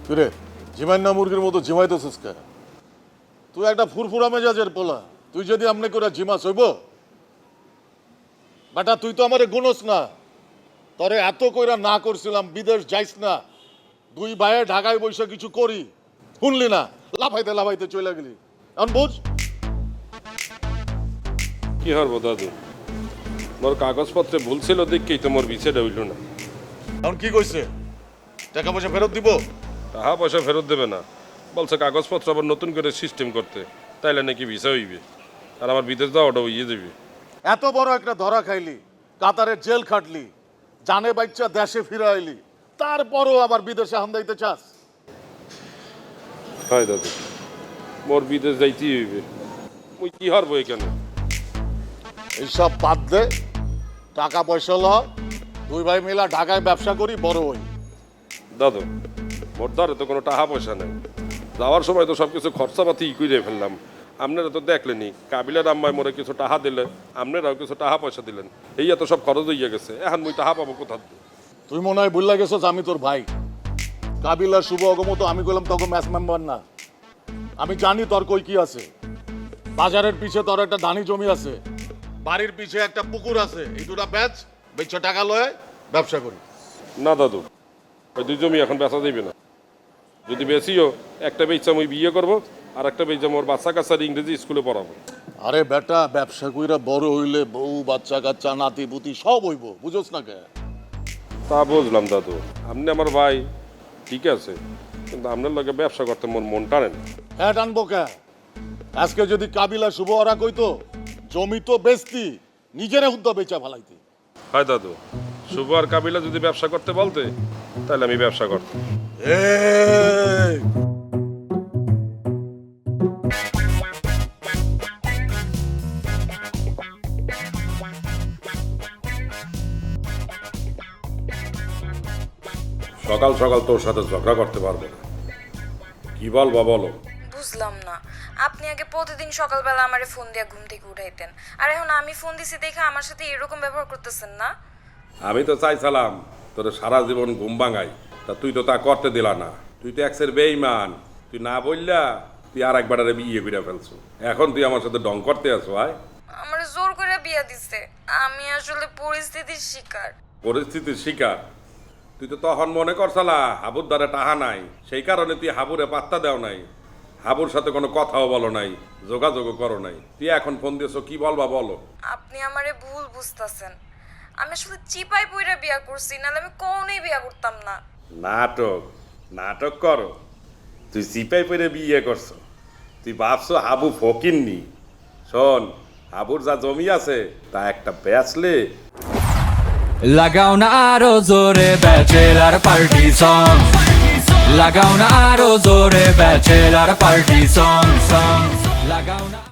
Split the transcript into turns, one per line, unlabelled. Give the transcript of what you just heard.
কিরে জিমাই না মুরগির মতো জিমাইতেছিস কে? তুই একটা ফুরফুরা মেজাজের পোলা, তুই যদি আমনে করে জিমা হইব বেটা, তুই তো আমারে গুনস না। তরে এত কইরা না করছিলাম বিদেশ যাইস না, দুই ভাইয়ে ঢাকায় বসে কিছু করি, শুনলি না, লাফাইতে লাফাইতে চলে গেলি। এখন বুঝ
কি হরবো দাদু, মোর কাগজপত্রে ভুল ছিল দেখেই তো মোর বিছেটা হইল না।
এখন কি কইছে? টাকা পয়সা ফেরত দিব?
টাকা পয়সা ফেরত দেবে না, বলছে কাগজপত্র আবার নতুন করে সিস্টেম করতে, তাইলে নাকি ভিসা হইবে আর আমার বিদেশ যাওয়াটা হইয়ে যাবে।
এত বড় একটা ধরা খাইলি, কাতারে জেল খাটলি, জানে বাচ্চা দেশে ফিরে আইলি, তারপরও আবার বিদেশে হান্দাইতে চাস?
হয় দাদু, মোর বিদেশ যাইতেই হইবে, মুই কি হারবো এখানে?
এইসব বাদ দে, টাকা পয়সা ল, দুই ভাই মিলা ঢাকায় ব্যবসা করি, বড় হই।
দাদু, মোর দ্বারে তো কোনো টাকা পয়সা নেই, যাওয়ার সময় তো সব কিছু খরচাপাতি করে ফেললাম। আপনারা তো দেখলেনি, কাবিলার আম্মায় মোরে কিছু টাকা দিলে, আপনারাও কিছু টাকা পয়সা দিলেন, এই এত সব খরচ হইয়া গেছে, এখন মুই টাকা পাবো কোথা দিয়ে?
তুই মনে হয় বুঝলা গেছস আমি তোর ভাই। কাবিলার শুভ অগমত আমি কইলাম তখন ম্যাচ মেম্বার না। আমি জানি তোর কই কি আছে। বাজারের পিছে তোর একটা ধানি জমি আছে, বাড়ির পিছে একটা পুকুর আছে, এই দুটা ব্যাচ বেচে টাকা লয় ব্যবসা করি।
না দাদু, ওই দুই জমি এখন বেচা যাইবে না, যদি বেশিও একটা বেচা মুই বিয়ে করবো, আর একটা বেচা মোর বাচ্চা কাচ্চার ইংরেজি স্কুলে পড়াবো।
আরে বেটা, ব্যবসা কইরা বড় হইলে বউ বাচ্চা কাচ্চা নাতি পুতি সব হইব, বুঝোস না কে?
তা বুঝলাম দাদু, আপনি আমার ভাই ঠিক আছে, কিন্তু আপনার লগে ব্যবসা করতে মন টানে না।
হ্যাঁ টানবো কে? আজকে যদি কাবিলা শুভ ওরা কইতো জমি তো বেচতি, নিজেরা হুদ্দা বেচা ফালাইতি।
হয় দাদু, শুভ আর কাবিলা যদি ব্যবসা করতে বলতে, তাহলে আমি ব্যবসা করতাম।
এই
সকাল সকাল তোর সাথে ঝগড়া করতে পারবো না, কি বলবা বলো?
বুঝলাম না, আপনি আগে প্রতিদিন সকালবেলা আমারে ফোন দিয়ে ঘুম থেকে উঠাইতেন, আর এখন আমি ফোন দিছি দেখে আমার সাথে এরকম ব্যবহার করতেছেন না?
আমি তো চাইছিলাম তোর সারা জীবন ঘুম ভাঙাই, তা তুই তো তা করতে দিলা না। তুই তো একসের বেঈমান, তুই না বললা তুই আর একবার বিয়ে করে ফেলছো, এখন তুই আমার সাথে ডং করতে আসো। আয়,
আমার জোর করে বিয়া দিছে, আমি আসলে পরিস্থিতির শিকার।
পরিস্থিতির শিকার? তুই তো তখন মনে করছালা হাবুর দ্বারা টাহা নাই, সেই কারণে তুই হাবুরে পাত্তা দেও নাই, হাবুর সাথে কোনো কথাও বলো নাই, যোগাযোগও করো নাই। তুই এখন ফোন দিয়েছো, কি বলবা বলো?
আপনি আমারে ভুল বুঝতাছেন, আমি আসলে চিপাই পইরা বিয়া করছি, নাহলে আমি কোনোই বিয়া করতাম না।
নাটক নাটক করো, তুই সিপাই পরে বিয়ে করছো, তুই ভাবছো হাবু ফকিন্নি। শোন, হাবুর যা জমি আছে তা একটা বেচলে।
লাগাও না আরো জোরে ব্যাচেলার পার্টি সং, লাগাও না আরো জোরে ব্যাচেলার পার্টি সং, লাগাও না।